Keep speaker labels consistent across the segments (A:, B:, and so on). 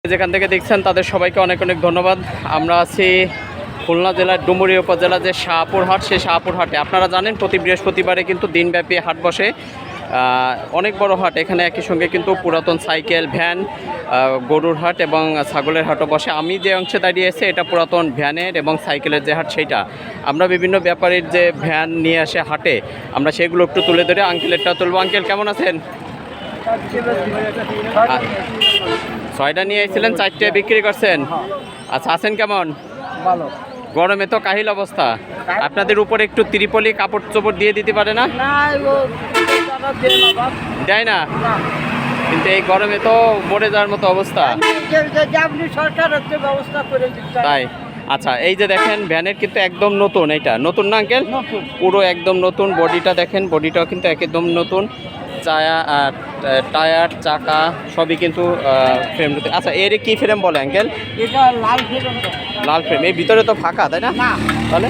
A: যেখান থেকে দেখছেন তাদের সবাইকে অনেক অনেক ধন্যবাদ। আমরা আছি খুলনা জেলার ডুমুরিয়া উপজেলা যে শাহপুর হাট, সেই শাহপুর হাটে আপনারা জানেন প্রতি বৃহস্পতিবারে কিন্তু দিনব্যাপী হাট বসে। অনেক বড় হাট, এখানে একই সঙ্গে কিন্তু পুরাতন সাইকেল, ভ্যান, গরুর হাট এবং ছাগলের হাটও বসে। আমি যে অংশে দাঁড়িয়ে আছি এটা পুরাতন ভ্যানের এবং সাইকেলের যে হাট, সেইটা আমরা বিভিন্ন ব্যাপারীর যে ভ্যান নিয়ে আসে হাটে, আমরা সেগুলো একটু তুলে ধরে আঙ্কেলেরটা তুলবো। আঙ্কেল কেমন আছেন? 6টা নিয়ে এসেছিলেন, 4টে বিক্রি করছেন। আচ্ছা, আছেন কেমন?
B: ভালো।
A: গরমে তো কাহিল অবস্থা। আপনাদের উপরে একটু ত্রিপলি কাপড় চোপড় দিয়ে দিতে পারে না? দেয় না, কিন্তু এই গরমে তো মরে যাওয়ার মতো অবস্থা। তাই আচ্ছা, এই যে দেখেন ভ্যানের কিন্তু একদম নতুন, এইটা নতুন না আঙ্কেল? পুরো একদম নতুন। বডিটা দেখেন, বডিটাও কিন্তু একদম নতুন। টায়ার, চাকা সবই কিন্তু ফ্রেম নতুন। আচ্ছা, এর কি ফ্রেম বলে আঙ্কেল?
B: এটা লাল ফ্রেম।
A: লাল ফ্রেম। এই ভিতরে তো ফাঁকা, তাই না? তাহলে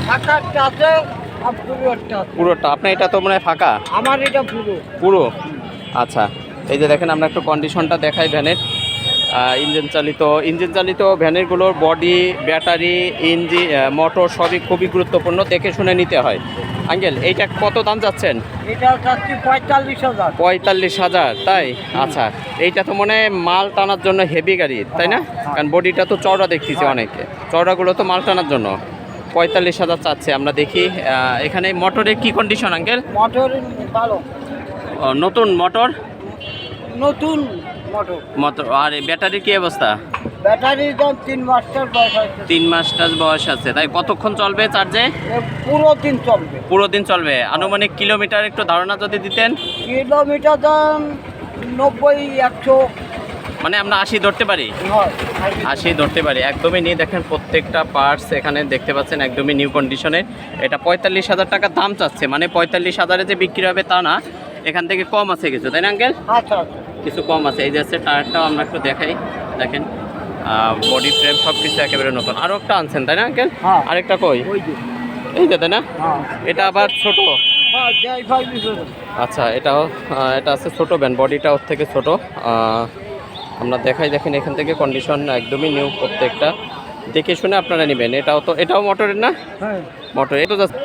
A: পুরোটা আপনার? এটা তো মনে হয় ফাঁকা।
B: আমার এটা
A: পুরো। আচ্ছা, এই যে দেখেন আমরা একটু কন্ডিশনটা দেখাই ভ্যানের। ইঞ্জিন চালিত ভ্যানেরগুলোর বডি, ব্যাটারি, ইঞ্জিন, মোটর সবই খুবই গুরুত্বপূর্ণ, দেখে শুনে নিতে হয়। আঙ্কেল এইটা কত দাম যাচ্ছেন?
B: এটা চাচ্ছি 45,000।
A: 45,000, তাই? আচ্ছা, এইটা তো মনে হয় মাল টানার জন্য হেভি গাড়ি, তাই না? কারণ বডিটা তো চওড়া দেখতেছি, অনেকে চওড়াগুলো তো মাল টানার জন্য 45,000 চাচ্ছে। আমরা দেখি এখানে মোটরের কি কন্ডিশন আঙ্কেল?
B: মোটর ভালো,
A: নতুন মোটর।
B: নতুন
A: মোটর। আর ব্যাটারির কি অবস্থা?
B: ব্যাটারির দাম 3 মাসটার বয়স আছে।
A: 3 মাসটার বয়স আছে, তাই কতক্ষণ চলবে চার্জে?
B: পুরো দিন চলবে।
A: পুরো দিন চলবে। আনুমানিক কিলোমিটার একটু ধারণা যদি দিতেন।
B: কিলোমিটার দাম 90-100,
A: মানে আমরা 80 ধরতে পারি। 80 ধরতে পারি। একদমই নিয়ে দেখেন, প্রত্যেকটা পার্টস এখানে দেখতে পাচ্ছেন একদমই নিউ কন্ডিশনের। এটা 45,000 টাকা দাম চাচ্ছে, মানে 45,000-এ যে বিক্রি হবে তা না, এখান থেকে কম আছে কিছু, তাই না আঙ্কেল?
B: আচ্ছা,
A: কিছু কম আছে। এই যে আছে টায়ারটাও আমরা একটু দেখাই, দেখেন বডি ফ্রেম সব কিছু একেবারে নতুন। আরও একটা আনছেন, তাই না আঙ্কেল? আরেকটা কই? এই যে, তাই না? এটা আবার ছোট। আচ্ছা, এটা আছে ছোট ভ্যান, বডিটা ওর থেকে ছোট। আমরা দেখাই, দেখেন এখান থেকে কন্ডিশন একদমই নিউ, প্রত্যেকটা দেখে শুনে আপনারা নেবেন। এটাও মোটরের না? মোটর। এটা যাচ্ছে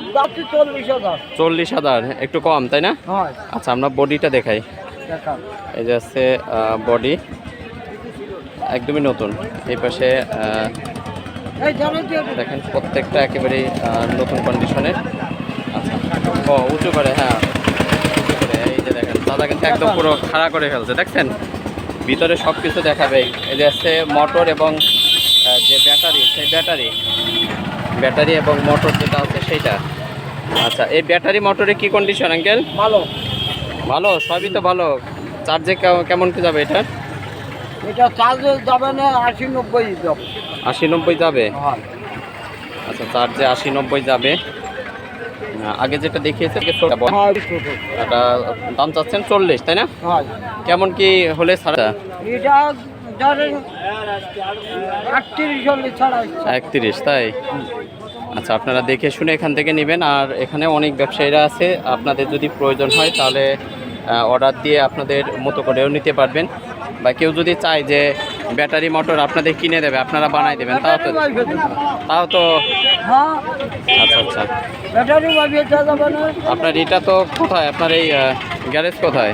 A: 40,000, একটু কম, তাই না? আচ্ছা, আমরা বডিটা দেখাই। এই যে আছে বডি একদমই নতুন। এই পাশে দেখেন প্রত্যেকটা একেবারেই নতুন কন্ডিশনের। আচ্ছা, উঁচু করে, হ্যাঁ উঁচু করে। এই যে দেখেন দাদা কিন্তু একদম পুরো খাড়া করে ফেলছে, দেখছেন? ভিতরে সব কিছু দেখাবে। এই যে আছে মোটর এবং যে ব্যাটারি, সেই ব্যাটারি এবং মোটর যেটা আছে সেইটা। আচ্ছা, এই ব্যাটারি মোটরে কি কন্ডিশন আঙ্কেল? ভালো, সবই তো ভালো। চার্জে কেমন কি যাবে এটা?
B: এটা চার্জে যাবে না 80-90 যাবে।
A: 80-90 যাবে? আচ্ছা, চার্জে 80-90 যাবে। আগে যেটা দেখিয়েছে এটা দাম চাচ্ছেন 40, তাই না? কেমন কি হলে ছাড়া?
B: এটা ধরেন 38 ছাড়া।
A: 31, তাই? আচ্ছা, আপনারা দেখে শুনে এখান থেকে নেবেন। আর এখানে অনেক ব্যবসায়ীরা আছে, আপনাদের যদি প্রয়োজন হয় তাহলে অর্ডার দিয়ে আপনাদের মতো করেও নিতে পারবেন। বা কেউ যদি চায় যে ব্যাটারি মোটর আপনাদের কিনে দেবে, আপনারা বানাই দেবেন, তাও তো। আচ্ছা, আপনার এটা তো কোথায়? আপনার এই গ্যারেজ কোথায়?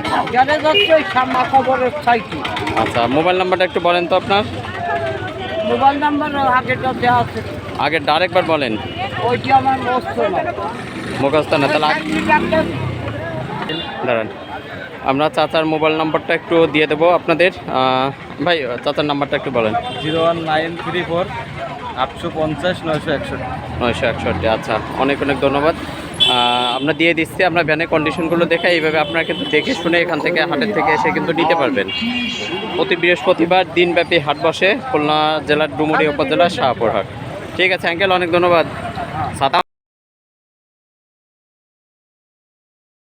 A: আচ্ছা, মোবাইল নাম্বারটা একটু বলেন তো আপনার।
B: মোবাইল নাম্বার
A: আগে আরেকবার বলেন।
B: ওইটি আমার
A: মুখস্থ না, তাহলে দাঁড়ান, আমরা চাচার মোবাইল নাম্বারটা একটু দিয়ে দেবো আপনাদের। ভাই, চাচার নাম্বারটা একটু বলেন।
B: 01934 850 961।
A: 961। আচ্ছা, অনেক অনেক ধন্যবাদ। আমরা দিয়ে দিচ্ছি। আমরা ভ্যানের কন্ডিশনগুলো দেখে এইভাবে আপনারা কিন্তু দেখে শুনে এখান থেকে, হাটের থেকে এসে কিন্তু নিতে পারবেন। প্রতি বৃহস্পতিবার দিনব্যাপী হাট বসে খুলনা জেলার ডুমুরিয়া উপজেলার শাহপুর হাট। ঠিক আছে আঙ্কেল, অনেক ধন্যবাদ।